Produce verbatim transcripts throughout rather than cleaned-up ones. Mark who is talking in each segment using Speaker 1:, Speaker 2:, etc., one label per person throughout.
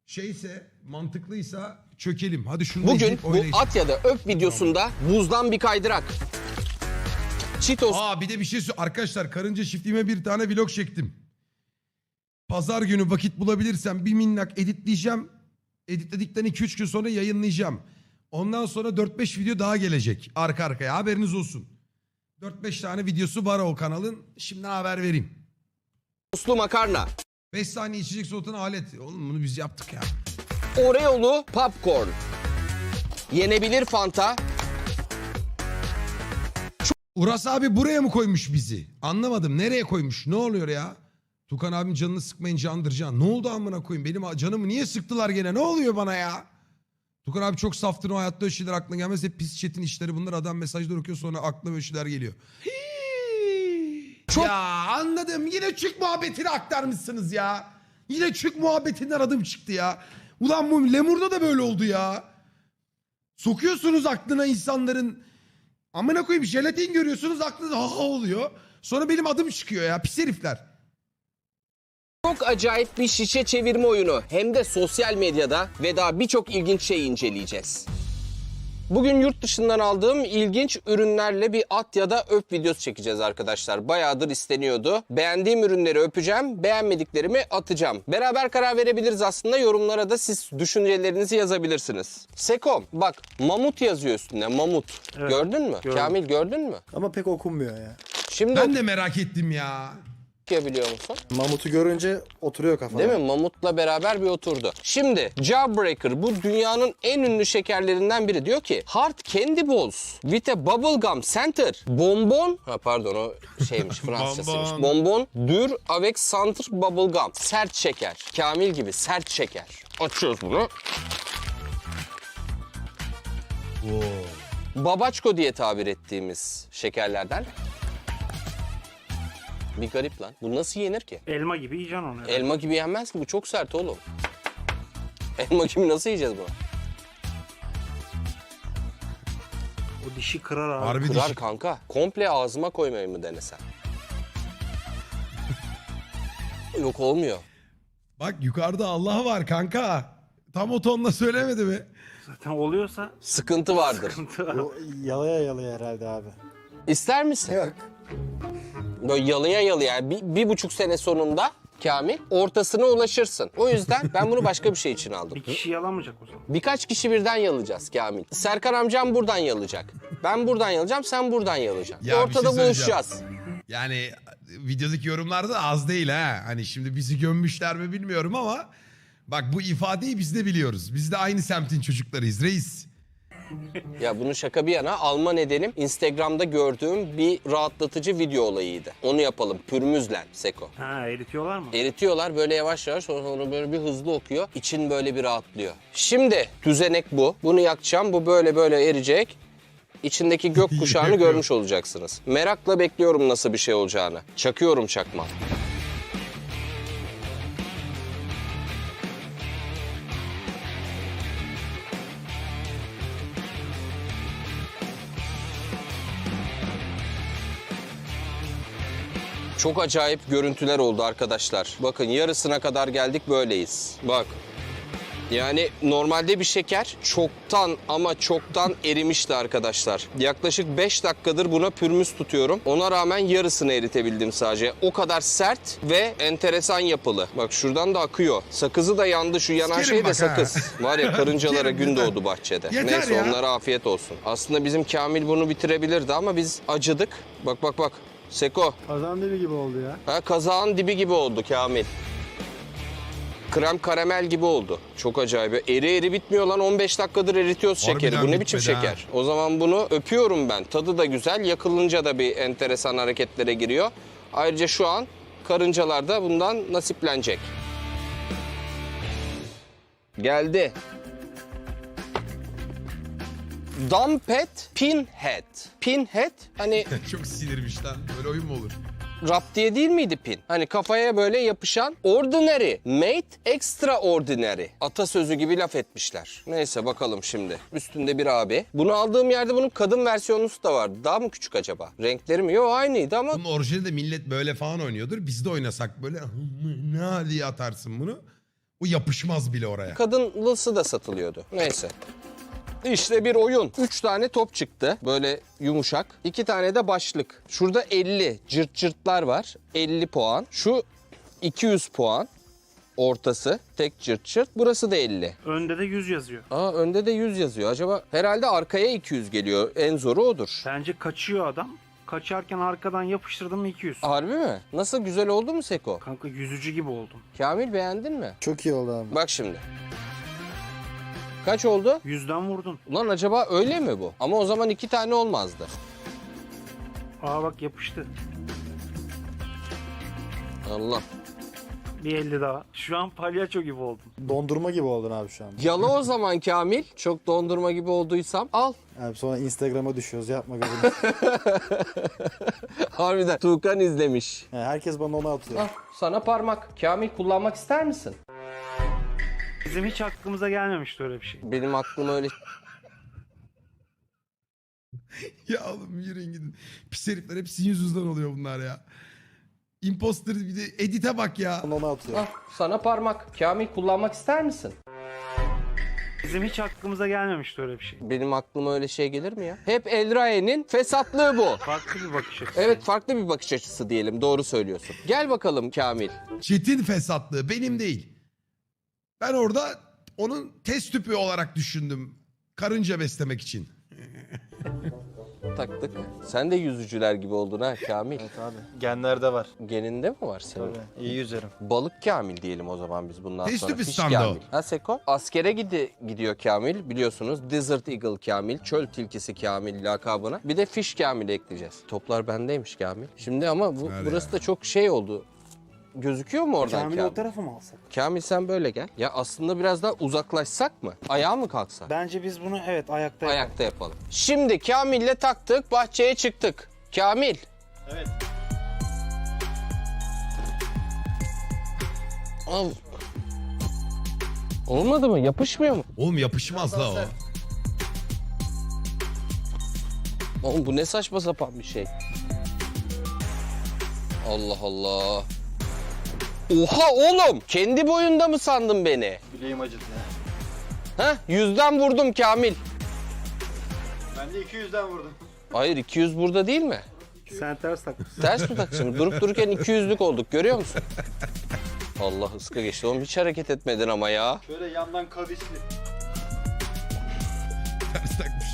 Speaker 1: şeyse, mantıklıysa çökelim. Hadi şunu
Speaker 2: Bugün bu at ya da öp videosunda buzdan bir kaydırak. Cheetos.
Speaker 1: Aa bir de bir şey söyleyeyim. Arkadaşlar karınca çiftliğime bir tane vlog çektim. Pazar günü vakit bulabilirsem bir minnak editleyeceğim. Editledikten iki üç gün sonra yayınlayacağım. Ondan sonra dört beş video daha gelecek arka arkaya, haberiniz olsun. dört beş tane videosu var o kanalın. Şimdi haber vereyim.
Speaker 2: Soslu makarna.
Speaker 1: beş saniye içecek soğutan alet. Oğlum bunu biz yaptık ya.
Speaker 2: Oreo'lu popcorn. Yenebilir Fanta.
Speaker 1: Uras abi buraya mı koymuş bizi? Anlamadım. Nereye koymuş? Ne oluyor ya? Tukan abim canını sıkmayın candır can. Ne oldu amına koyayım? Benim canımı niye sıktılar gene? Ne oluyor bana ya? Tukan abi çok saftır, o hayatta öyle şeyler aklına gelmez. Hep pis chat'in işleri bunlar. Adam mesajlar okuyor sonra aklına böyle şeyler geliyor. Çok... Ya anladım. Yine çük muhabbetini aktarmışsınız ya. Yine çük muhabbetinden adım çıktı ya. Ulan bu Lemur'da da böyle oldu ya. Sokuyorsunuz aklına insanların. Amına koyayım jelatin görüyorsunuz aklınıza ha ha oluyor. Sonra benim adım çıkıyor ya pis herifler.
Speaker 2: Çok acayip bir şişe çevirme oyunu. Hem de sosyal medyada ve daha birçok ilginç şey inceleyeceğiz. Bugün yurt dışından aldığım ilginç ürünlerle bir at ya da öp videosu çekeceğiz arkadaşlar. Bayağıdır isteniyordu. Beğendiğim ürünleri öpeceğim, beğenmediklerimi atacağım. Beraber karar verebiliriz aslında. Yorumlara da siz düşüncelerinizi yazabilirsiniz. Sekom bak mamut yazıyor üstünde, mamut.
Speaker 3: Evet,
Speaker 2: gördün mü?
Speaker 3: gördüm.
Speaker 2: Kamil gördün mü?
Speaker 3: Ama pek okunmuyor ya.
Speaker 2: Şimdi
Speaker 1: Ben de merak ettim ya.
Speaker 2: okuyabiliyor musun?
Speaker 3: Mamut'u görünce oturuyor kafana.
Speaker 2: Değil mi? Mamut'la beraber bir oturdu. Şimdi Jawbreaker bu dünyanın en ünlü şekerlerinden biri. Diyor ki Hard Candy Balls with a bubblegum center. Bonbon. Ha pardon o şeymiş Fransızcasıymış. Bonbon dur avec center bubblegum. Sert şeker. Kamil gibi sert şeker. Açıyoruz bunu. Babaçko diye tabir ettiğimiz şekerlerden. Bir garip lan. Bu nasıl yenir ki?
Speaker 4: Elma gibi yiyeceksin onu. herhalde.
Speaker 2: Elma gibi yenmez ki, bu çok sert oğlum. Elma gibi nasıl yiyeceğiz bunu?
Speaker 4: O dişi kırar abi.
Speaker 1: Harbi
Speaker 2: Kırar
Speaker 1: dişi.
Speaker 2: kanka. Komple ağzıma koymayı mı denesen? Yok olmuyor.
Speaker 1: Bak yukarıda Allah var kanka. Tam o tonla söylemedi mi?
Speaker 4: Zaten oluyorsa
Speaker 2: Sıkıntı vardır.
Speaker 4: sıkıntı var.
Speaker 3: O yalaya yalaya herhalde abi.
Speaker 2: İster misin?
Speaker 3: Yok.
Speaker 2: Böyle yalıya yalıya bir, bir buçuk sene sonunda Kamil ortasına ulaşırsın. O yüzden ben bunu başka bir şey için aldım.
Speaker 4: Bir kişi yalamayacak o zaman.
Speaker 2: Birkaç kişi birden yalayacağız Kamil. Serkan amcam buradan yalayacak. Ben buradan yalayacağım, sen buradan yalayacaksın.
Speaker 1: Ya bir şey
Speaker 2: Ortada
Speaker 1: söyleyeceğim.
Speaker 2: buluşacağız.
Speaker 1: Yani videodaki yorumlar da az değil ha. Hani şimdi bizi gömmüşler mi bilmiyorum ama bak bu ifadeyi biz de biliyoruz. Biz de aynı semtin çocuklarıyız reis.
Speaker 2: Ya bunu şaka bir yana alma nedenim Instagram'da gördüğüm bir rahatlatıcı video olayıydı. Onu yapalım pürmüzle Seko.
Speaker 4: Ha eritiyorlar mı?
Speaker 2: Eritiyorlar böyle yavaş yavaş, sonra böyle bir hızlı okuyor. İçin böyle bir rahatlıyor. Şimdi düzenek bu. Bunu yakacağım. Bu böyle böyle eriyecek. İçindeki gök kuşağını görmüş olacaksınız. Merakla bekliyorum nasıl bir şey olacağını. Çakıyorum çakma. Çok acayip görüntüler oldu arkadaşlar. Bakın yarısına kadar geldik, böyleyiz. Bak. Yani normalde bir şeker çoktan ama çoktan erimişti arkadaşlar. Yaklaşık beş dakikadır buna pürmüz tutuyorum. Ona rağmen yarısını eritebildim sadece. O kadar sert ve enteresan yapılı. Bak şuradan da akıyor. Sakızı da yandı, şu yanan
Speaker 1: Sikerim
Speaker 2: şey de
Speaker 1: bak ha.
Speaker 2: sakız. Var ya karıncalara
Speaker 1: Sikerim
Speaker 2: gün
Speaker 1: yeter.
Speaker 2: doğdu bahçede.
Speaker 1: Yeter
Speaker 2: Neyse
Speaker 1: ya.
Speaker 2: onlara afiyet olsun. Aslında bizim Kamil bunu bitirebilirdi ama biz acıdık. Bak bak bak. Seko.
Speaker 3: Kazan dibi gibi oldu ya.
Speaker 2: Ha, kazağın dibi gibi oldu Kamil. Krem karamel gibi oldu. Çok acayip. Eri eri bitmiyor lan. on beş dakikadır eritiyoruz
Speaker 1: Harbiden
Speaker 2: şekeri. Bu ne biçim
Speaker 1: bitmedi ha.
Speaker 2: şeker? O zaman bunu öpüyorum ben. Tadı da güzel. Yakılınca da bir enteresan hareketlere giriyor. Ayrıca şu an karıncalar da bundan nasiplenecek. Geldi. Dumpet Pinhead. Pinhead hani
Speaker 1: Çok sinirmiş lan. Böyle oyun mu olur?
Speaker 2: rap diye değil miydi pin? Hani kafaya böyle yapışan ordinary, made extraordinary. Atasözü gibi laf etmişler. Neyse bakalım şimdi. Üstünde bir abi. Bunu aldığım yerde bunun kadın versiyonu da vardı. Daha mı küçük acaba? Renkleri mi? Yok aynıydı ama
Speaker 1: Bunun orijinalinde millet böyle falan oynuyordur. Biz de oynasak böyle ne diye atarsın bunu. O yapışmaz bile oraya.
Speaker 2: kadınlısı da satılıyordu. Neyse. İşte bir oyun. Üç tane top çıktı. Böyle yumuşak. İki tane de başlık. Şurada elli cırt cırtlar var. elli puan. Şu iki yüz puan. Ortası tek cırt cırt. Burası da elli.
Speaker 4: Önde de yüz yazıyor.
Speaker 2: Aa, önde de yüz yazıyor. Acaba herhalde arkaya iki yüz geliyor. En zoru odur.
Speaker 4: Bence kaçıyor adam. Kaçarken arkadan yapıştırdım mı iki yüz.
Speaker 2: Harbi mi? Nasıl, güzel oldu mu Seko?
Speaker 4: Kanka yüzücü gibi oldum.
Speaker 2: Kamil, beğendin mi?
Speaker 3: Çok iyi oldu abi.
Speaker 2: Bak şimdi. Kaç oldu?
Speaker 4: Yüzden vurdun.
Speaker 2: Ulan acaba öyle mi bu? Ama o zaman iki tane olmazdı.
Speaker 4: Aa bak yapıştı.
Speaker 2: Allah.
Speaker 4: Bir elli daha. Şu an palyaço gibi oldum.
Speaker 3: Dondurma gibi oldun abi şu an.
Speaker 2: Yala o zaman Kamil. Çok dondurma gibi olduysam al.
Speaker 3: Abi sonra Instagram'a düşüyoruz. Yapma gözünü.
Speaker 2: Harbiden Tuğkan izlemiş.
Speaker 3: Yani herkes bana onu atıyor.
Speaker 2: Al sana parmak. Kamil, kullanmak ister misin?
Speaker 4: Bizim hiç aklımıza gelmemişti öyle bir şey.
Speaker 2: Benim aklıma öyle...
Speaker 1: Ya oğlum yürüyün gidin. Pis herifler, hep sizin yüzünüzden oluyor bunlar ya. Imposter, bir de edite bak ya.
Speaker 3: Bana onu atıyor.
Speaker 2: Al sana parmak. Kamil, kullanmak ister misin?
Speaker 4: Bizim hiç aklımıza gelmemişti öyle bir şey.
Speaker 2: Benim aklıma öyle şey gelir mi ya? Hep Elrae'nin fesatlığı bu.
Speaker 4: Farklı bir bakış açısı.
Speaker 2: Evet, farklı bir bakış açısı diyelim. Doğru söylüyorsun. Gel bakalım Kamil.
Speaker 1: Çetin fesatlığı benim değil. Ben orada onun test tüpü olarak düşündüm. Karınca beslemek için.
Speaker 2: Taktık. Sen de yüzücüler gibi oldun ha Kamil.
Speaker 3: Evet abi. Genlerde var.
Speaker 2: Geninde mi var senin?
Speaker 3: Tabii. İyi yüzerim.
Speaker 2: Balık Kamil diyelim o zaman biz bundan
Speaker 1: Test
Speaker 2: sonra.
Speaker 1: tüpü
Speaker 2: Fiş
Speaker 1: standı o.
Speaker 2: Kamil. Ha Seko? Askere gidi, gidiyor Kamil biliyorsunuz. Desert Eagle Kamil, çöl tilkisi Kamil lakabına. Bir de Fiş Kamil ekleyeceğiz. Toplar bendeymiş Kamil. Şimdi ama bu,
Speaker 1: Ver
Speaker 2: burası
Speaker 1: ya.
Speaker 2: da çok şey oldu. Gözüküyor mu oradan Kamil?
Speaker 4: Kamil'i o tarafa mı alsak?
Speaker 2: Kamil sen böyle gel. Ya aslında biraz daha uzaklaşsak mı? Ayağa mı kalksak?
Speaker 4: Bence biz bunu evet ayakta yapalım.
Speaker 2: Ayakta yapalım. Şimdi Kamil'le taktık, bahçeye çıktık. Kamil.
Speaker 3: Evet.
Speaker 2: Al. Olmadı mı? Yapışmıyor mu?
Speaker 1: Oğlum yapışmaz la o.
Speaker 2: Oğlum bu ne saçma sapan bir şey. Allah Allah. Oha oğlum! Kendi boyunda mı sandın beni?
Speaker 3: Bileğim acıdı ya.
Speaker 2: Ha? Yüzden vurdum Kamil.
Speaker 3: Ben de iki yüzden vurdum.
Speaker 2: Hayır, iki yüz burada değil mi?
Speaker 4: Sen ters takmışsın.
Speaker 2: Ters mi takacağım? Durup dururken iki yüzlük olduk, görüyor musun? Allah, ıska geçti. Oğlum hiç hareket etmedin ama ya.
Speaker 3: Şöyle yandan kavisli.
Speaker 1: Ters takmış.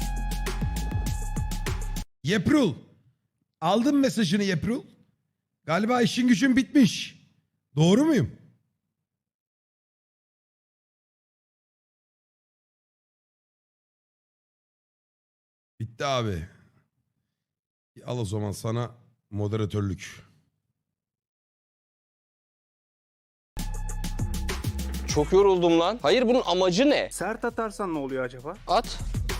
Speaker 1: Yeprul. Aldın mesajını Yeprul. Galiba işin gücün bitmiş. Doğru muyum? Bitti abi. Al o zaman sana moderatörlük.
Speaker 2: Çok yoruldum lan. Hayır, bunun amacı ne?
Speaker 4: Sert atarsan ne oluyor acaba?
Speaker 2: At.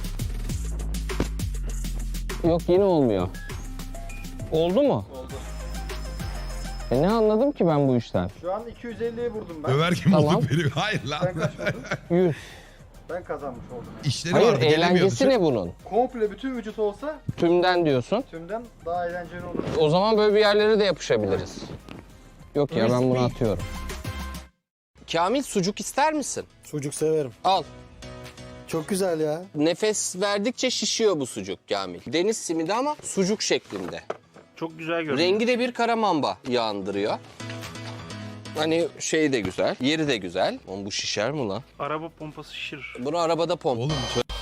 Speaker 2: Yok, yine olmuyor. Oldu mu?
Speaker 3: Oldu.
Speaker 2: E ne anladım ki ben bu işten?
Speaker 3: Şu an iki yüz elliye vurdum ben.
Speaker 1: Överken
Speaker 2: Tamam.
Speaker 1: olduk biri. Hayır lan.
Speaker 3: Sen kaç vurdun?
Speaker 2: yüz.
Speaker 3: Ben kazanmış oldum.
Speaker 1: İşleri
Speaker 2: Hayır,
Speaker 1: vardı, gelemiyordu.
Speaker 2: eğlencesi ne bunun?
Speaker 3: Komple bütün vücut olsa
Speaker 2: Tümden diyorsun.
Speaker 3: tümden daha eğlenceli olur.
Speaker 2: O zaman böyle bir yerlere de yapışabiliriz. Yok ya, ben bunu atıyorum. Kamil, sucuk ister misin?
Speaker 3: Sucuk severim.
Speaker 2: Al.
Speaker 3: Çok güzel ya.
Speaker 2: Nefes verdikçe şişiyor bu sucuk Kamil. Deniz simidi ama sucuk şeklinde.
Speaker 4: Çok güzel görünüyor.
Speaker 2: Rengi de bir karamamba yağındırıyor. Hani şey de güzel, yeri de güzel. Oğlum bu şişer mi lan?
Speaker 4: Araba pompası şişirir.
Speaker 2: Bunu arabada pomp.
Speaker 1: Oğlum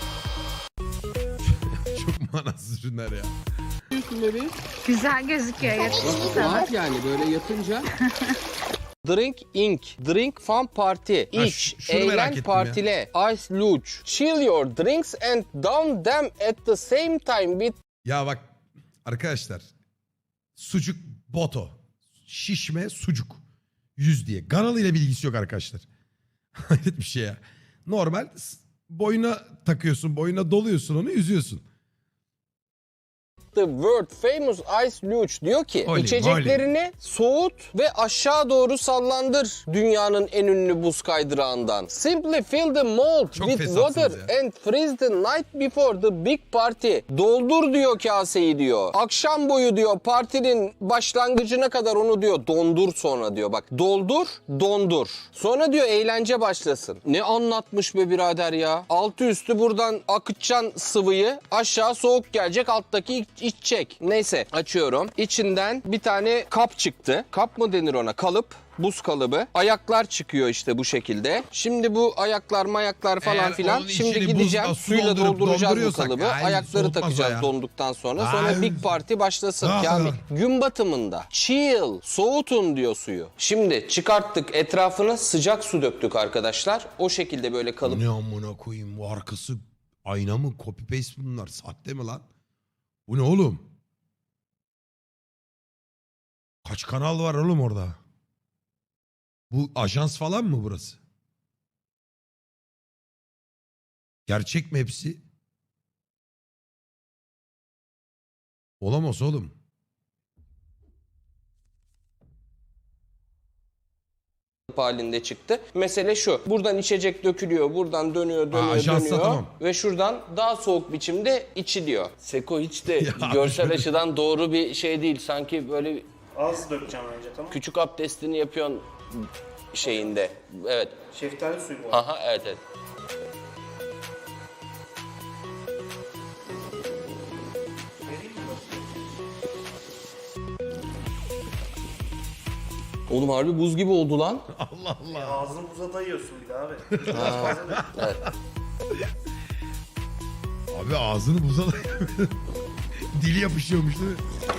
Speaker 1: çok manasız ürünler ya.
Speaker 5: Güzel gözüküyor. Yakıştı sana.
Speaker 2: Yani böyle yatınca. Drink Inc. Drink Fun Party.
Speaker 1: Ha,
Speaker 2: İç,
Speaker 1: ş- şunu merak
Speaker 2: eğlen,
Speaker 1: ettim
Speaker 2: partile. Ice luge. Chill your drinks and down them at the same time with...
Speaker 1: Ya bak arkadaşlar. Sucuk boto. Şişme sucuk. Yüz diye. Ganalı ile bilgisi yok arkadaşlar. Hayret bir şey ya. Normal boyuna takıyorsun. Boyuna doluyorsun onu, yüzüyorsun.
Speaker 2: the world famous ice luge diyor ki
Speaker 1: Oley,
Speaker 2: içeceklerini soğut ve aşağı doğru sallandır dünyanın en ünlü buz kaydırağından. Simply fill the mold
Speaker 1: Çok
Speaker 2: with
Speaker 1: fesatsınız
Speaker 2: water
Speaker 1: ya.
Speaker 2: and freeze the night before the big party. Doldur diyor kaseyi diyor. Akşam boyu diyor partinin başlangıcına kadar onu diyor dondur sonra diyor. Bak doldur, dondur. Sonra diyor eğlence başlasın. Ne anlatmış be birader ya. Altı üstü buradan akıtacaksın sıvıyı. Aşağı soğuk gelecek, alttaki iç- içecek. Neyse açıyorum. İçinden bir tane kap çıktı. Kap mı denir ona? Kalıp. Buz kalıbı. Ayaklar çıkıyor işte bu şekilde. Şimdi bu ayaklar mayaklar falan
Speaker 1: Eğer
Speaker 2: filan.
Speaker 1: onun
Speaker 2: Şimdi
Speaker 1: içini
Speaker 2: gideceğim
Speaker 1: buzla, su
Speaker 2: suyla
Speaker 1: doldurup
Speaker 2: dolduracağız bu
Speaker 1: donduruyorsak,
Speaker 2: kalıbı.
Speaker 1: ay,
Speaker 2: Ayakları
Speaker 1: soğutmaz o
Speaker 2: takacağız
Speaker 1: ya.
Speaker 2: donduktan sonra.
Speaker 1: Ay.
Speaker 2: Sonra big party başlasın
Speaker 1: Ah.
Speaker 2: Kamil. Gün batımında chill, soğutun diyor suyu. Şimdi çıkarttık, etrafına sıcak su döktük arkadaşlar. O şekilde böyle kalıp
Speaker 1: Ne amına koyayım, bu arkası ayna mı, copy paste mi bunlar, sahte mi lan? Bu ne oğlum? Kaç kanal var oğlum orada? Bu ajans falan mı burası? Gerçek mi hepsi? Olamaz oğlum.
Speaker 2: halinde çıktı. Mesele şu. Buradan içecek dökülüyor. Buradan dönüyor, dönüyor,
Speaker 1: ajansa
Speaker 2: dönüyor.
Speaker 1: tamam.
Speaker 2: Ve şuradan daha soğuk biçimde içiliyor. Seko hiç de
Speaker 1: Ya
Speaker 2: görsel
Speaker 1: şöyle-
Speaker 2: açıdan doğru bir şey değil. Sanki böyle
Speaker 4: Az dökeceğim önce, tamam.
Speaker 2: küçük abdestini yapıyorsun şeyinde. Evet.
Speaker 4: Şeftali suyu bu.
Speaker 2: Aha evet evet. Oğlum harbi buz gibi oldu lan.
Speaker 1: Allah Allah.
Speaker 4: Ağzını buza dayıyorsun bir de abi. Biraz fazla dök.
Speaker 2: Evet.
Speaker 1: Abi ağzını buza da- dili yapışıyormuş değil mi?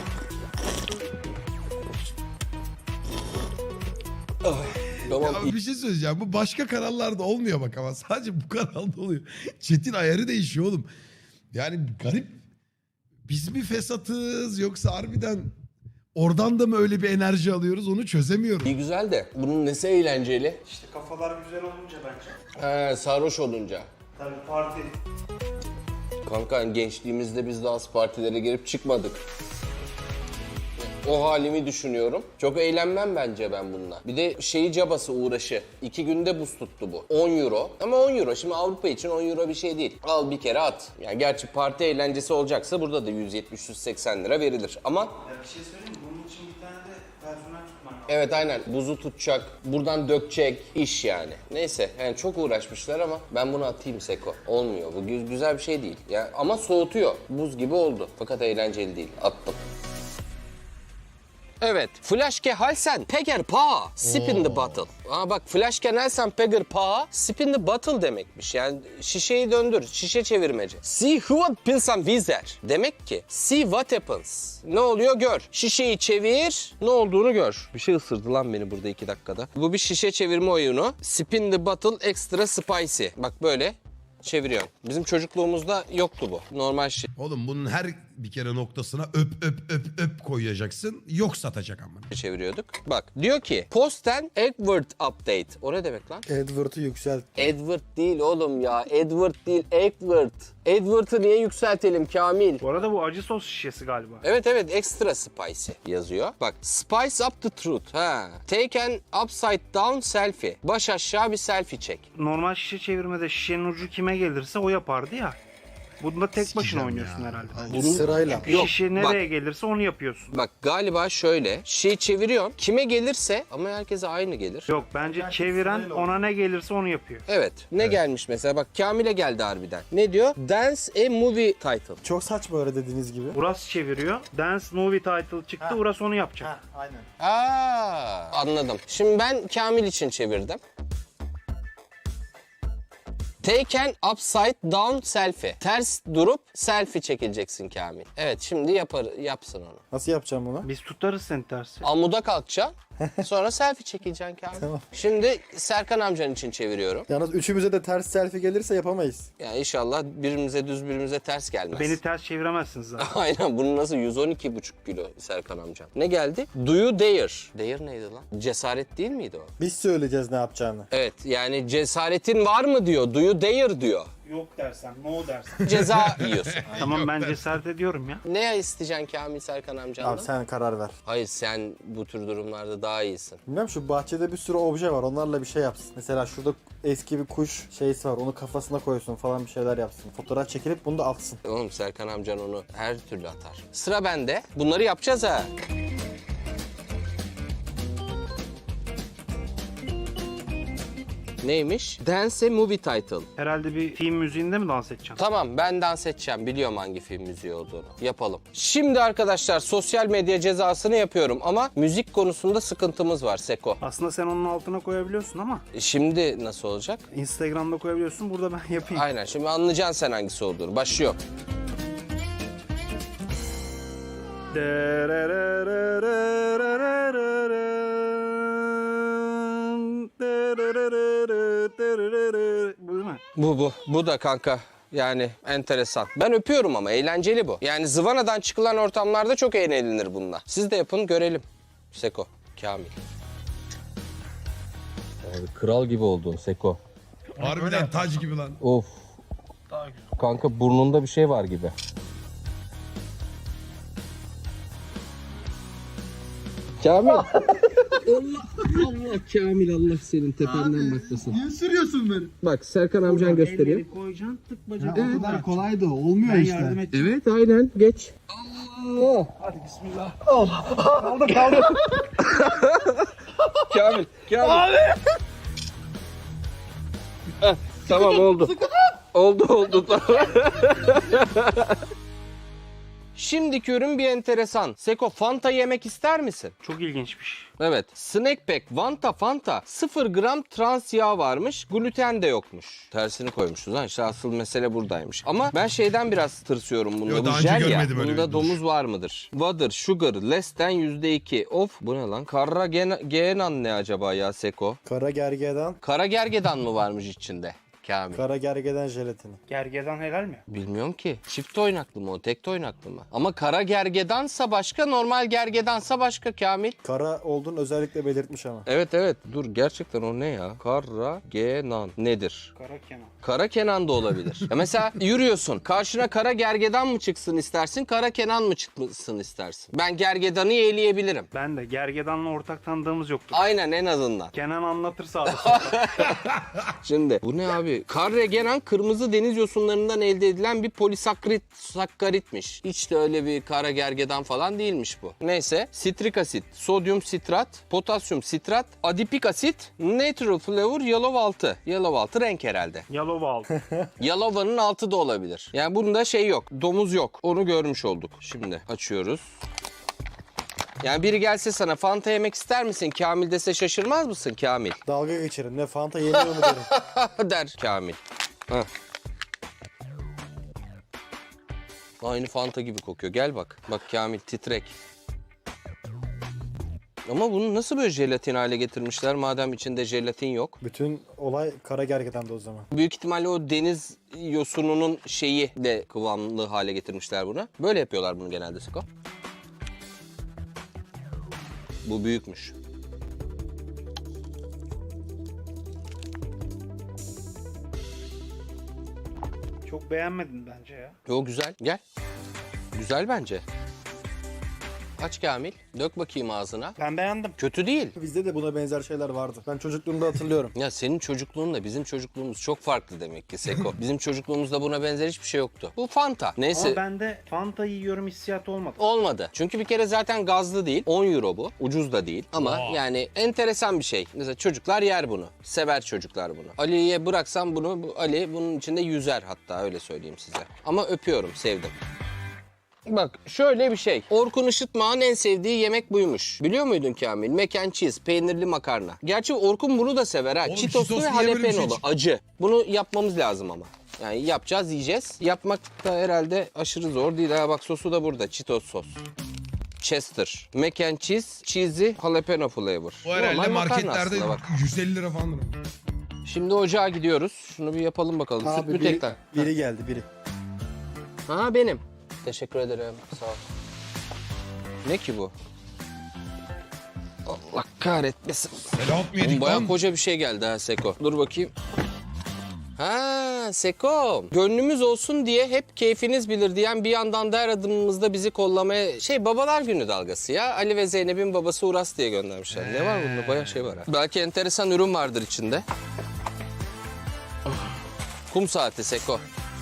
Speaker 2: Tamam.
Speaker 1: Ya bir şey söyleyeceğim. Bu başka kanallarda olmuyor bak ama sadece bu kanalda oluyor. Chat'in ayarı değişiyor oğlum. Yani garip. Biz mi fesatız yoksa harbiden oradan da mı öyle bir enerji alıyoruz onu çözemiyorum.
Speaker 2: İyi güzel de bunun nesi eğlenceli?
Speaker 4: İşte kafalar güzel olunca bence.
Speaker 2: He, sarhoş olunca.
Speaker 4: Tabii parti.
Speaker 2: Kanka gençliğimizde biz de az partilere girip çıkmadık. O halimi düşünüyorum. Çok eğlenmem bence ben bununla. Bir de şeyi cabası uğraşı. İki günde buz tuttu bu. on euro. Ama on euro. Şimdi Avrupa için on euro bir şey değil. Al bir kere at. Yani gerçi parti eğlencesi olacaksa burada da yüz yetmiş yüz seksen lira verilir. Ama
Speaker 4: Ya bir şey söyleyeyim mi? Bunun için bir tane de personel tutman lazım.
Speaker 2: evet aynen buzu tutacak, buradan dökecek iş yani. Neyse yani çok uğraşmışlar ama ben bunu atayım Seko. Olmuyor. Bu gü- güzel bir şey değil. Ya ama soğutuyor. Buz gibi oldu. Fakat eğlenceli değil. Attım. Evet. Flashke Halsen Peger Pa Sip in the bottle. Aa bak Flashke Halsen Peger Pa Sip in the bottle demekmiş. Yani şişeyi döndür. Şişe çevirmece. See what pilsam vizer. Demek ki see what happens. Ne oluyor gör. Şişeyi çevir. Ne olduğunu gör. Bir şey ısırdı lan beni burada iki dakikada. Bu bir şişe çevirme oyunu. Sip in the bottle extra spicy. Bak böyle çeviriyorsun. Bizim çocukluğumuzda yoktu bu. Normal şey.
Speaker 1: Oğlum bunun her bir kere noktasına öp öp öp öp koyacaksın. Yok satacak ama.
Speaker 2: çeviriyorduk. Bak diyor ki Posten Edward Update. O ne demek lan?
Speaker 3: Edward'ı yükselt.
Speaker 2: Edward değil oğlum ya. Edward değil Edward. Edward'ı niye yükseltelim Kamil?
Speaker 4: Bu arada bu acı sos şişesi galiba.
Speaker 2: Evet evet extra spicy yazıyor. Bak spice up the truth. Ha. Take an upside down selfie. Baş aşağı bir selfie çek.
Speaker 4: Normal şişe çevirmede şişenin ucu kime gelirse o yapardı ya. Bunda tek başına
Speaker 1: Sikeceğim
Speaker 4: oynuyorsun
Speaker 1: ya.
Speaker 4: herhalde.
Speaker 2: Bunun-
Speaker 3: Sırayla.
Speaker 2: Yok,
Speaker 4: Şişe
Speaker 2: bak.
Speaker 4: nereye gelirse onu yapıyorsun.
Speaker 2: Bak galiba şöyle şey çeviriyorsun. Kime gelirse ama herkese aynı gelir.
Speaker 4: Yok bence çeviren ona ne gelirse onu yapıyor.
Speaker 2: Evet. Ne gelmiş mesela? Bak Kamil'e geldi harbiden. Ne diyor? Dance a movie title.
Speaker 3: Çok saçma öyle dediğiniz gibi.
Speaker 4: Uras çeviriyor. Dance movie title çıktı. Uras onu yapacak.
Speaker 3: Aynen.
Speaker 2: Aa, anladım. Şimdi ben Kamil için çevirdim. Take an upside down selfie. Ters durup selfie çekileceksin Kamil. Evet şimdi yapar, yapsın onu.
Speaker 3: Nasıl yapacağım bunu?
Speaker 4: Biz tutarız seni tersi.
Speaker 2: Amuda kalkacaksın. Sonra selfie çekeceksin Kamil.
Speaker 3: Tamam.
Speaker 2: Şimdi Serkan amcan için çeviriyorum.
Speaker 3: Yalnız üçümüze de ters selfie gelirse yapamayız.
Speaker 2: Yani inşallah birimize düz birimize ters gelmez.
Speaker 4: Beni ters çeviremezsiniz zaten.
Speaker 2: Aynen bunu nasıl yüz on iki buçuk kilo Serkan amcam. Ne geldi? Do you dare? Dare neydi lan? Cesaret değil miydi o?
Speaker 3: Biz söyleyeceğiz ne yapacağını.
Speaker 2: Evet yani cesaretin var mı diyor. Do you dare diyor.
Speaker 4: Yok dersen, no dersen.
Speaker 2: Ceza yiyorsun.
Speaker 4: Tamam ben cesaret ediyorum ya.
Speaker 2: Ne isteyeceksin Kamil Serkan amcandan?
Speaker 3: Abi sen karar ver.
Speaker 2: Hayır sen bu tür durumlarda daha iyisin.
Speaker 3: Bilmem şu bahçede bir sürü obje var. Onlarla bir şey yapsın. Mesela şurada eski bir kuş şeysi var. Onu kafasına koysun falan bir şeyler yapsın. Fotoğraf çekilip bunu da atsın.
Speaker 2: Oğlum Serkan amcan onu her türlü atar. Sıra bende. Bunları yapacağız ha. Neymiş? Dance a movie title.
Speaker 4: Herhalde bir film müziğinde mi dans edeceksin?
Speaker 2: Tamam ben dans edeceğim. Biliyorum hangi film müziği olduğunu. Yapalım. Şimdi arkadaşlar sosyal medya cezasını yapıyorum ama müzik konusunda sıkıntımız var Seko.
Speaker 4: Aslında sen onun altına koyabiliyorsun ama
Speaker 2: E Şimdi nasıl olacak?
Speaker 4: Instagram'da koyabiliyorsun. Burada ben yapayım.
Speaker 2: Aynen şimdi anlayacaksın sen hangisi olduğunu. Başlıyor.
Speaker 4: Bu değil mi?
Speaker 2: Bu bu. Bu da kanka. Yani enteresan. Ben öpüyorum ama eğlenceli bu. Yani zıvanadan çıkılan ortamlarda çok eğlenilir bununla. Siz de yapın görelim. Seko, Kamil. Abi, kral gibi oldun Seko.
Speaker 1: Harbiden tac gibi lan.
Speaker 2: Of. Kanka burnunda bir şey var gibi. Kamil. Allah Allah Kamil Allah senin tependen bakmasın.
Speaker 6: Niye sürüyorsun beni?
Speaker 2: Bak Serkan amcan gösteriyor.
Speaker 4: Elleri koyacaksın, tık
Speaker 6: Ya,
Speaker 4: bacak.
Speaker 6: o kadar kolay da olmuyor
Speaker 4: Ben
Speaker 6: işte.
Speaker 4: yardım et.
Speaker 2: Evet aynen geç. Allah.
Speaker 4: Hadi bismillah.
Speaker 2: Kamil. Kamil. Heh, tamam oldu. Oldu oldu tamam. Şimdiki ürün bir enteresan. Seko Fanta yemek ister misin?
Speaker 4: Çok ilginçmiş.
Speaker 2: Evet. Snack Pack Vanta Fanta sıfır gram trans yağ varmış. Gluten de yokmuş. Tersini koymuşuz lan. İşte asıl mesele buradaymış. Ama ben şeyden biraz tırsıyorum bunda.
Speaker 1: Yo,
Speaker 2: Bu
Speaker 1: daha önce
Speaker 2: jel ya.
Speaker 1: görmedim öyle
Speaker 2: Bunda
Speaker 1: bir
Speaker 2: domuz var mıdır? Water, sugar, less than yüzde iki. Of bu ne lan? Kara gen- genan ne acaba ya Seko?
Speaker 3: Kara gergedan,
Speaker 2: Kara gergedan mı varmış içinde? Kamil.
Speaker 3: kara gergedan jelatini.
Speaker 4: Gergedan helal mi?
Speaker 2: Bilmiyorum ki. Çift oynaklı mı o? Tek oynaklı mı? Ama kara gergedansa başka, normal gergedansa başka Kamil.
Speaker 3: Kara olduğunu özellikle belirtmiş ama.
Speaker 2: Evet evet. Dur gerçekten o ne ya? Kara genan nedir?
Speaker 4: Kara Kenan.
Speaker 2: Kara Kenan da olabilir. Ya mesela yürüyorsun. Karşına kara gergedan mı çıksın istersin? Kara Kenan mı çıksın istersin? Ben gergedanı yeğleyebilirim.
Speaker 4: Ben de gergedanla ortak tanıdığımız yoktu.
Speaker 2: Aynen en azından.
Speaker 4: Kenan anlatırsa abi sonra.
Speaker 2: Şimdi bu ne abi? Karregenan kırmızı deniz yosunlarından elde edilen bir polisakkarit sakkaritmiş. Hiç de öyle bir kara gergedan falan değilmiş bu. Neyse sitrik asit, sodyum sitrat, potasyum sitrat, adipik asit, natural flavor, yellow altı. Yellow altı renk herhalde.
Speaker 4: Yaloval.
Speaker 2: Yalova'nın altı da olabilir. Yani bunda şey yok. Domuz yok. Onu görmüş olduk. Şimdi açıyoruz. Yani biri gelse sana Fanta yemek ister misin Kamil dese şaşırmaz mısın Kamil?
Speaker 3: Dalga geçerim. Ne Fanta yeniyor mu derim.
Speaker 2: Der Kamil. Heh. Aynı Fanta gibi kokuyor. Gel bak. Bak Kamil titrek. Ama bunu nasıl böyle jelatin hale getirmişler madem içinde jelatin yok?
Speaker 3: Bütün olay kara gergedan'da o zaman.
Speaker 2: Büyük ihtimalle o deniz yosununun şeyi de kıvamlı hale getirmişler bunu. Böyle yapıyorlar bunu genelde Siko. Bu büyükmüş.
Speaker 4: Çok beğenmedin bence ya.
Speaker 2: Yo güzel. Gel. Güzel bence. Aç Kamil. Dök bakayım ağzına.
Speaker 4: Ben beğendim.
Speaker 2: Kötü değil.
Speaker 3: Bizde de buna benzer şeyler vardı. Ben çocukluğumda hatırlıyorum.
Speaker 2: Ya senin çocukluğunla bizim çocukluğumuz çok farklı demek ki Seko. Bizim çocukluğumuzda buna benzer hiçbir şey yoktu. Bu Fanta. Neyse.
Speaker 4: Ama bende Fanta yiyorum hissiyatı olmadı.
Speaker 2: Olmadı. Çünkü bir kere zaten gazlı değil. on euro bu. Ucuz da değil. Ama yani enteresan bir şey. Mesela çocuklar yer bunu. Sever çocuklar bunu. Ali'ye bıraksam bunu, bu Ali bunun içinde yüzer hatta öyle söyleyeyim size. Ama öpüyorum, sevdim. Bak şöyle bir şey. Orkun Işıtmak'ın en sevdiği yemek buymuş. Biliyor muydun Kamil? Mac and cheese, peynirli makarna. Gerçi Orkun bunu da sever ha.
Speaker 1: Oğlum,
Speaker 2: Cheetoslu
Speaker 1: Cheetos
Speaker 2: ve
Speaker 1: niye böyle bir şey
Speaker 2: jalapenolu.
Speaker 1: çıktı?
Speaker 2: Acı. Bunu yapmamız lazım ama. Yani yapacağız, yiyeceğiz. Yapmak da herhalde aşırı zor değil. Ha bak sosu da burada. Cheetos sos. Chester. Mac and cheese, cheesy, jalapeno flavor.
Speaker 1: O herhalde
Speaker 2: Normal makarna
Speaker 1: marketlerde
Speaker 2: aslında bak.
Speaker 1: yüz elli lira falan.
Speaker 2: Şimdi ocağa gidiyoruz. Şunu bir yapalım bakalım. Süt
Speaker 3: Abi
Speaker 2: mü
Speaker 3: biri,
Speaker 2: tekrar?
Speaker 3: biri geldi biri.
Speaker 2: Ha benim. Teşekkür ederim. Sağ ol. Ne ki bu? Allah kahretmesin.
Speaker 1: Selam mı
Speaker 2: Oğlum
Speaker 1: yedik
Speaker 2: bayağı
Speaker 1: lan?
Speaker 2: koca bir şey geldi ha Seko. Dur bakayım. Ha Ha Seko. Gönlümüz olsun diye hep keyfiniz bilir diyen bir yandan da her adımımızda bizi kollamaya... Şey babalar günü dalgası ya. Ali ve Zeynep'in babası Uras diye göndermişler. Ne var bunda? Bayağı şey var ha. Belki enteresan ürün vardır içinde. Kum saati Seko.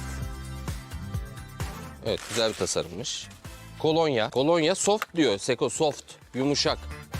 Speaker 2: Evet güzel bir tasarımmış. Kolonya. Kolonya soft diyor Seko, soft. Yumuşak.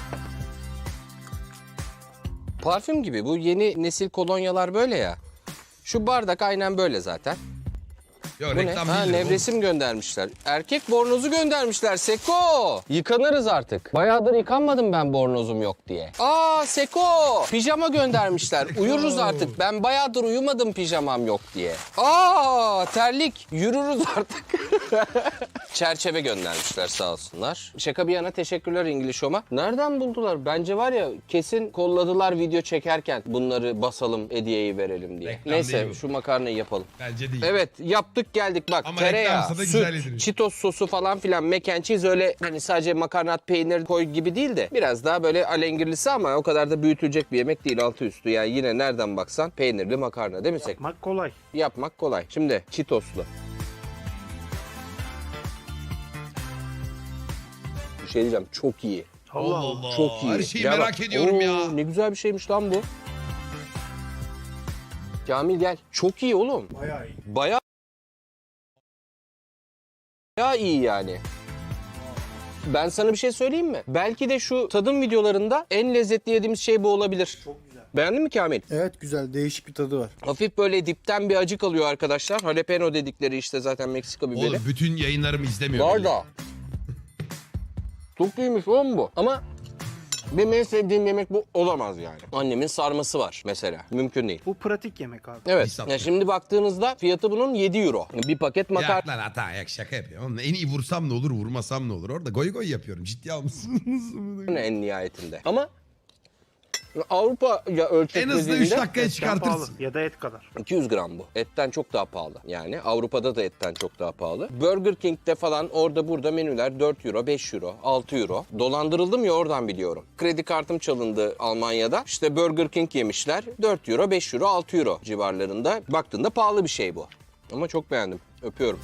Speaker 2: Parfüm gibi. Bu yeni nesil kolonyalar böyle ya. Şu bardak aynen böyle zaten.
Speaker 1: Yo,
Speaker 2: Bu ne?
Speaker 1: reklam
Speaker 2: Ha,
Speaker 1: değildir bu.
Speaker 2: nevresim göndermişler. Erkek bornozu göndermişler Seko. Yıkanırız artık. Bayağıdır yıkanmadım ben bornozum yok diye. Aa Seko. Pijama göndermişler. Uyuruz artık. Ben bayağıdır uyumadım pijamam yok diye. Aa terlik. Yürürüz artık. Çerçeve göndermişler sağ olsunlar. Şaka bir yana teşekkürler İngiliz Home'a. Nereden buldular? Bence var ya kesin kolladılar video çekerken bunları basalım hediyeyi verelim diye.
Speaker 1: Reklam
Speaker 2: Neyse
Speaker 1: değil bu.
Speaker 2: şu makarnayı yapalım.
Speaker 1: Bence değil.
Speaker 2: Evet yaptık geldik bak
Speaker 1: Ama
Speaker 2: tereyağı,
Speaker 1: reklamsa da güzel
Speaker 2: süt,
Speaker 1: yedirir.
Speaker 2: Cheetos sosu falan filan mac and cheese öyle hani sadece makarnat peynir koy gibi değil de biraz daha böyle alengirlisi ama o kadar da büyütülecek bir yemek değil altı üstü. Yani yine nereden baksan peynirli makarna değil mi Sek?
Speaker 4: Yapmak kolay.
Speaker 2: Yapmak kolay. Şimdi Cheetos'lu. Bir şey diyeceğim çok iyi.
Speaker 4: Allah
Speaker 1: Allah
Speaker 4: Allah.
Speaker 1: Allah.
Speaker 2: Çok iyi.
Speaker 1: Her şeyi
Speaker 2: Gel
Speaker 1: merak
Speaker 2: bak.
Speaker 1: ediyorum
Speaker 2: Oo,
Speaker 1: ya.
Speaker 2: Ne güzel bir şeymiş lan bu. Kamil gel. Çok iyi oğlum.
Speaker 4: Bayağı iyi.
Speaker 2: Bayağı Bayağı iyi yani. Ben sana bir şey söyleyeyim mi? Belki de şu tadım videolarında en lezzetli yediğimiz şey bu olabilir.
Speaker 4: Çok güzel.
Speaker 2: Beğendin mi Kamil?
Speaker 3: Evet güzel, değişik bir tadı var.
Speaker 2: Hafif böyle dipten bir acı kalıyor arkadaşlar. Jalapeno dedikleri işte zaten Meksika biberi.
Speaker 1: Oğlum bütün yayınlarımı izlemiyor.
Speaker 2: Var
Speaker 1: belli.
Speaker 2: da. Çok iyiymiş oğlum bu. Ama benim en sevdiğim yemek bu olamaz yani. Annemin sarması var mesela. Mümkün değil.
Speaker 4: Bu pratik yemek abi.
Speaker 2: Evet.
Speaker 1: İsat.
Speaker 2: Ya şimdi baktığınızda fiyatı bunun yedi euro. Bir paket makarna.
Speaker 1: Yak lan hata yak şaka yapıyorum. Oğlum, en iyi vursam ne olur vurmasam ne olur. Orada goy goy yapıyorum. Ciddi almışsınız.
Speaker 2: En nihayetinde. Ama Avrupa ya ölçek
Speaker 1: En hızlı üç
Speaker 2: dediğinde
Speaker 1: dakikaya
Speaker 4: Etten
Speaker 1: çıkartırsın.
Speaker 4: pahalı ya da et kadar.
Speaker 2: iki yüz gram bu. Etten çok daha pahalı. Yani Avrupa'da da etten çok daha pahalı. Burger King'de falan orada burada menüler dört euro, beş euro, altı euro. Dolandırıldım ya oradan biliyorum. Kredi kartım çalındı Almanya'da. İşte Burger King yemişler. dört euro, beş euro, altı euro civarlarında. Baktığında pahalı bir şey bu. Ama çok beğendim. Öpüyorum.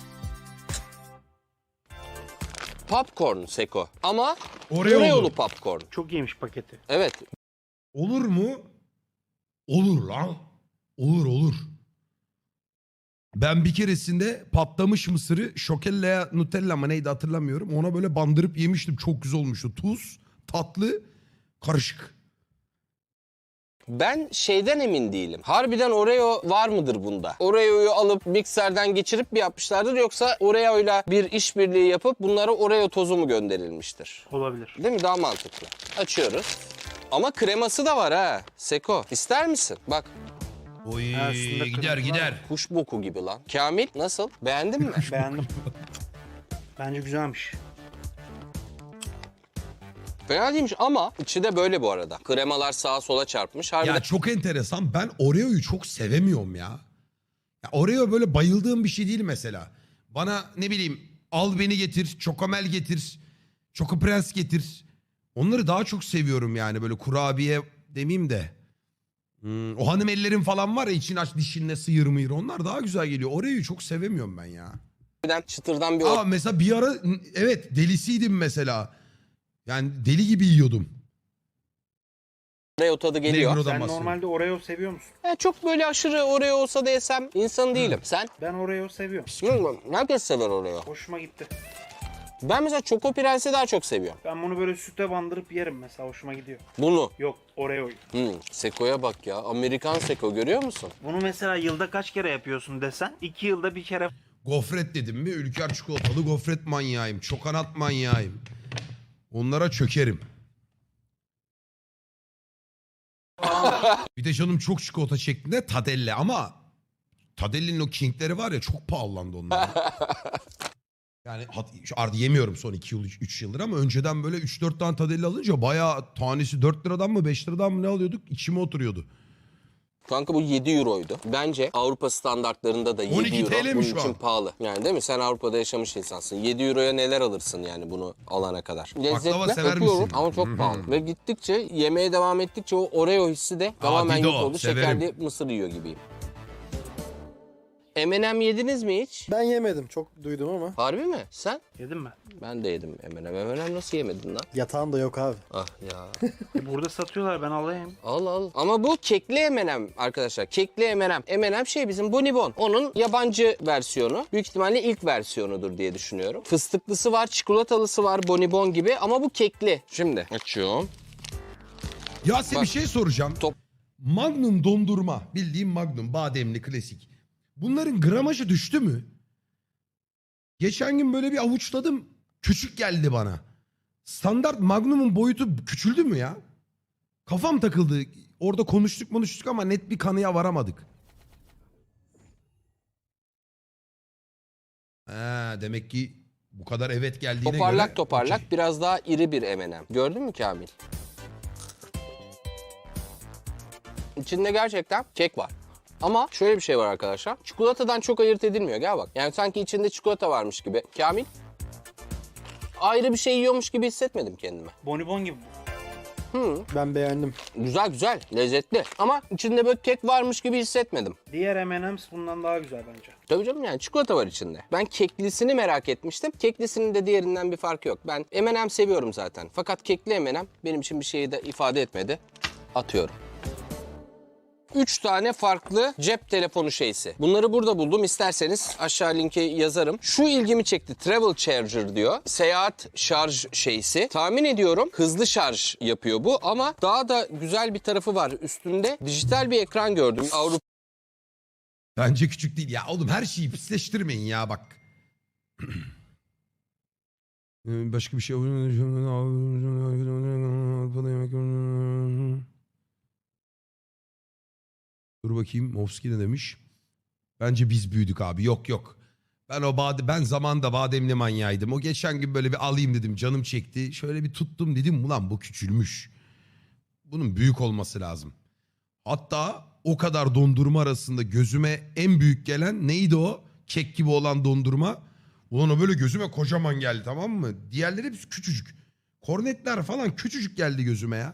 Speaker 2: Popcorn Seko. Ama
Speaker 1: Oreo'lu.
Speaker 2: Oreo'lu popcorn.
Speaker 4: Çok iyiymiş paketi.
Speaker 2: Evet.
Speaker 1: Olur mu? Olur lan. Olur olur. Ben bir keresinde patlamış mısırı şokellaya Nutella mı neydi hatırlamıyorum. Ona böyle bandırıp yemiştim. Çok güzel olmuştu. Tuz, tatlı, karışık.
Speaker 2: Ben şeyden emin değilim. Harbiden Oreo var mıdır bunda? Oreo'yu alıp mikserden geçirip mi yapmışlardır yoksa Oreo'yla bir işbirliği yapıp bunlara Oreo tozu mu gönderilmiştir?
Speaker 4: Olabilir.
Speaker 2: Değil mi? Daha mantıklı. Açıyoruz. Ama kreması da var ha. Seko, ister misin? Bak,
Speaker 1: Oy
Speaker 4: Ha, üstünde
Speaker 1: gider
Speaker 4: kırmızı
Speaker 1: gider.
Speaker 2: kuş boku gibi lan. Kamil, nasıl? Beğendin mi?
Speaker 4: Beğendim. Bence güzelmiş.
Speaker 2: Fena değilmiş ama içi de böyle bu arada. Kremalar sağa sola çarpmış. Harbiden
Speaker 1: Ya çok enteresan. Ben Oreo'yu çok sevemiyorum ya. Ya Oreo böyle bayıldığım bir şey değil mesela. Bana ne bileyim al beni getir, Çokomel getir, Çoko Prens getir. Onları daha çok seviyorum yani böyle kurabiye demeyeyim de. Hmm, o hanım ellerin falan var ya için aç dişinle sıyır mıyır onlar daha güzel geliyor. Oreo'yu çok sevemiyorum ben ya.
Speaker 2: çıtırdan bir
Speaker 1: Aa mesela bir ara evet delisiydim mesela. Yani deli gibi yiyordum.
Speaker 2: Oreo tadı geliyor.
Speaker 1: Negro'dan
Speaker 4: Sen
Speaker 1: bahsediyorum.
Speaker 4: normalde Oreo seviyor musun?
Speaker 2: Ya çok böyle aşırı Oreo olsa da yesem insan değilim. Sen?
Speaker 4: Ben Oreo seviyorum.
Speaker 2: Bilmiyorum, herkes sever Oreo.
Speaker 4: Hoşuma gitti.
Speaker 2: Ben mesela Choco Prens'i daha çok seviyorum.
Speaker 4: Ben bunu böyle süte bandırıp yerim mesela, hoşuma gidiyor.
Speaker 2: Bunu.
Speaker 4: Yok, Oreo'yu.
Speaker 2: Hmm, Seko'ya bak ya. Amerikan Seko görüyor musun?
Speaker 4: Bunu mesela yılda kaç kere yapıyorsun desen, iki yılda bir kere
Speaker 1: Gofret dedim mi? Ülker çikolatalı gofret manyağıyım. Çokanat manyağıyım. Onlara çökerim. Bir de canım çok çikolata şeklinde Tadelle ama Tadelle'nin o King'leri var ya çok pahalandı onlar. Yani hat- şu artık yemiyorum son iki yıl üç yıldır ama önceden böyle üç dört tane Tadelle alınca bayağı tanesi dört liradan mı beş liradan mı ne alıyorduk? İçime oturuyordu.
Speaker 2: Kanka bu yedi euroydu. Bence Avrupa standartlarında da
Speaker 1: on iki
Speaker 2: yedi euro
Speaker 1: TL mi
Speaker 2: bunun
Speaker 1: şu
Speaker 2: için
Speaker 1: an?
Speaker 2: pahalı. Yani değil mi? Sen Avrupa'da yaşamış insansın. yedi euroya neler alırsın yani bunu alana kadar. Lezzetli
Speaker 1: sever
Speaker 2: öpüyorum
Speaker 1: misin?
Speaker 2: ama çok pahalı. Ve gittikçe yemeye devam ettikçe o Oreo hissi de tamamen
Speaker 1: Dido,
Speaker 2: yok oldu.
Speaker 1: severim.
Speaker 2: Şekerli mısır yiyor gibiyim. M and M yediniz mi hiç?
Speaker 3: Ben yemedim. Çok duydum ama.
Speaker 2: Harbi mi? Sen?
Speaker 4: Yedin mi?
Speaker 2: Ben de yedim M and M. M and M nasıl yemedin lan?
Speaker 3: Yatağım da yok abi.
Speaker 2: Ah ya.
Speaker 4: E burada satıyorlar, ben alayım.
Speaker 2: Al al. Ama bu kekli M and M arkadaşlar. Kekli M and M. M and M şey bizim Bonibon. Onun yabancı versiyonu. Büyük ihtimalle ilk versiyonudur diye düşünüyorum. Fıstıklısı var, çikolatalısı var Bonibon gibi ama bu kekli. Şimdi açıyorum.
Speaker 1: Ya size
Speaker 2: Bak.
Speaker 1: bir şey soracağım.
Speaker 2: Top.
Speaker 1: Magnum dondurma. Bildiğim Magnum. Bademli klasik. Bunların gramajı düştü mü? Geçen gün böyle bir avuçladım. Küçük geldi bana. Standart Magnum'un boyutu küçüldü mü ya? Kafam takıldı. Orada konuştuk konuştuk ama net bir kanıya varamadık. Ha, demek ki bu kadar evet geldiğine
Speaker 2: Toparlak
Speaker 1: göre...
Speaker 2: toparlak
Speaker 1: okey.
Speaker 2: biraz daha iri bir M and M. Gördün mü Kamil? İçinde gerçekten kek var. Ama şöyle bir şey var arkadaşlar. Çikolatadan çok ayırt edilmiyor. Gel bak. Yani sanki içinde çikolata varmış gibi. Kamil? Ayrı bir şey yiyormuş gibi hissetmedim kendime.
Speaker 4: Bonibon gibi.
Speaker 3: Ben beğendim.
Speaker 2: Güzel güzel, lezzetli. Ama içinde böyle kek varmış gibi hissetmedim.
Speaker 4: Diğer M and M's bundan daha güzel bence.
Speaker 2: Tabii canım yani çikolata var içinde. Ben keklisini merak etmiştim. Keklisinin de diğerinden bir farkı yok. Ben M and M seviyorum zaten. Fakat kekli M and M benim için bir şeyi de ifade etmedi. Atıyorum. Üç tane farklı cep telefonu şeysi. Bunları burada buldum. İsterseniz aşağı linki yazarım. Şu ilgimi çekti. Travel Charger diyor. Seyahat şarj şeysi. Tahmin ediyorum hızlı şarj yapıyor bu ama daha da güzel bir tarafı var. Üstünde dijital bir ekran gördüm. Avrupa
Speaker 1: Bence küçük değil. Ya oğlum her şeyi pisleştirmeyin ya bak. Başka bir şey... Dur bakayım Movski ne demiş? Bence biz büyüdük abi. Yok yok. Ben o bade ben zamanında bademli manyağıydım. O geçen gün böyle bir alayım dedim. Canım çekti. Şöyle bir tuttum dedim. Ulan bu küçülmüş. Bunun büyük olması lazım. Hatta o kadar dondurma arasında gözüme en büyük gelen neydi o? Kek gibi olan dondurma. Ulan o böyle gözüme kocaman geldi, tamam mı? Diğerleri hepsi küçücük. Kornetler falan küçücük geldi gözüme ya.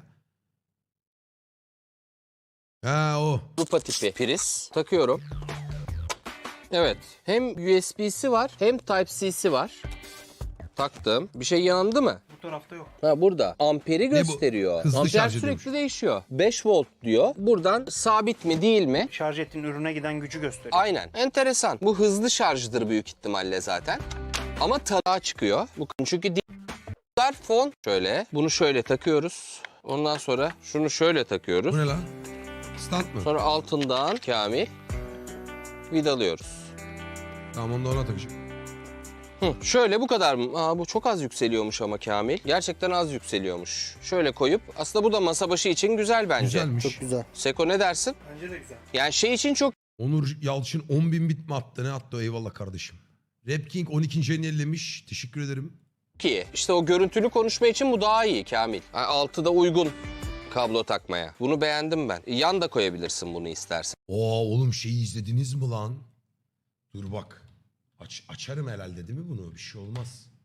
Speaker 1: Ha o.
Speaker 2: Avrupa tipi priz takıyorum. Evet. Hem U S B'si var hem Type-C'si var. Taktım. Bir şey yandı mı?
Speaker 4: Bu tarafta yok.
Speaker 2: Ha burada. Amperi
Speaker 1: bu?
Speaker 2: gösteriyor.
Speaker 1: Hızlı
Speaker 2: Amper
Speaker 1: şarj
Speaker 2: sürekli
Speaker 1: ediyormuş.
Speaker 2: değişiyor. beş volt diyor. Buradan sabit mi değil mi?
Speaker 4: Şarj ettiğin ürüne giden gücü gösteriyor.
Speaker 2: Aynen. Enteresan. Bu hızlı şarjdır büyük ihtimalle zaten. Ama tarağa çıkıyor. Bu çünkü diğer fon şöyle. Bunu şöyle takıyoruz. Ondan sonra şunu şöyle takıyoruz.
Speaker 1: Bu ne lan? Stand mı?
Speaker 2: Sonra altından Kamil vidalıyoruz.
Speaker 1: Tamam onu da ona takacağım.
Speaker 2: Hı, şöyle bu kadar mı? Aa, bu çok az yükseliyormuş ama Kamil. Gerçekten az yükseliyormuş. Şöyle koyup aslında bu da masa başı için güzel bence.
Speaker 1: Güzelmiş.
Speaker 3: Çok güzel.
Speaker 2: Seko ne dersin?
Speaker 4: Bence de güzel.
Speaker 2: Yani şey için çok
Speaker 1: Onur Yalçın on bin bit mi attı, ne attı? Eyvallah kardeşim. Rap King on ikinci ayını ellemiş. Teşekkür ederim.
Speaker 2: iyi. İşte o görüntülü konuşma için bu daha iyi Kamil. Yani altıda uygun kablo takmaya. Bunu beğendim ben. Yan da koyabilirsin bunu istersen.
Speaker 1: Oo oğlum şeyi izlediniz mi lan? Dur bak. Aç, açarım herhalde değil mi bunu? Bir şey olmaz.